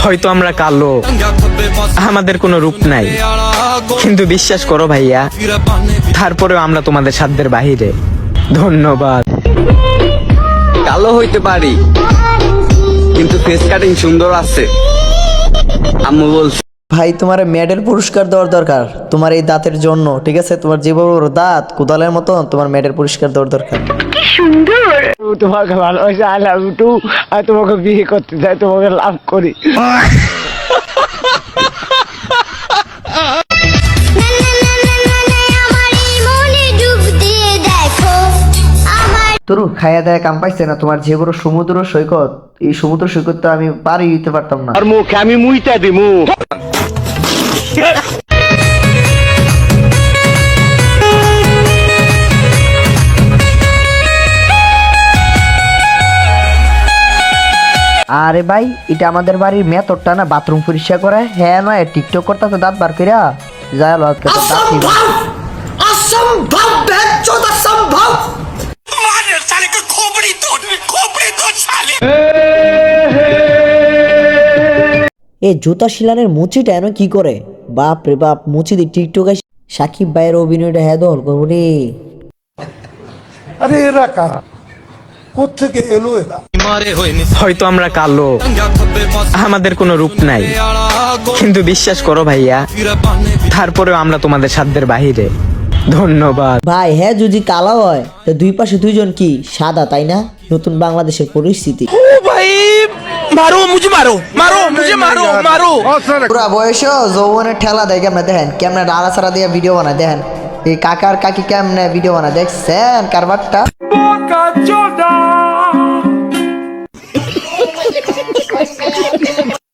হয়তো আমরা কালো, আমাদের কোনো রূপ নাই, কিন্তু বিশ্বাস করো ভাইয়া, তারপরেও আমরা তোমাদের সাধ্যের বাহিরে। ধন্যবাদ। কালো হইতে পারি, কিন্তু ফেস কাটিং সুন্দর আছে। আম্মু বলছে ভাই তোমার মেডেল পুরস্কার দেওয়ার দরকার তোমার এই দাঁতের জন্য, ঠিক আছে? তোমার যে বড় বড় দাঁত কোদালের মতো, তোমার মেডেল পুরস্কার দেওয়ার দরকার। তোমাকে ভালোবাসি, আই লাভ ইউ টু। আর তোমাকে বিয়ে করতে চাই, তোমাকে লাভ করি। তোর খাইয়া দেয়া কাম পাইছে না? তোমার যে বড় সমুদ্র সৈকত, এই সমুদ্র সৈকতটা আমি পারি দিতে পারতাম না। আর মুখে আমি মুইটা দিমু। আরে ভাই, এটা আমাদের বাড়ির মেথডটা না, বাথরুম পরিষ্কার করে। হ্যাঁ নয় টিকটক করতে দাঁত বার কইরা যায় লো আজকে তো দাঁত নিবা। असंभव बेचौद असंभव। এই জুতা শিলানের মুচিটা এনে কি করে? বাপ রে বাপ, মুচি দি টিকটক সাকিব ভাইয়ের অভিনয়টা হ্যাঁ দল করবো রে। अरे एरा कारा কোত্থেকে এলো এরা? হয়তো আমরা কালো, আমাদের কোনো রূপ নাই, কিন্তু বিশ্বাস করো ভাইয়া, তারপরেও আমরা তোমাদের সাধ্যের বাহিরে। ধন্যবাদ। ভাই হ্যাঁ, যদি কালো হয় তো দুই পাশে দুইজন কি সাদা, তাই না? নতুন বাংলাদেশের পরিস্থিতি। পুরা বয়স যৌবনের ঠেলা দেয় কেমনে, দেখেন কেমনে ডালা ছাড়া দিয়ে ভিডিও বানায়, দেখেন এই কাকার কাকি কেমনে ভিডিও বানায়, দেখছেন কারবারটা।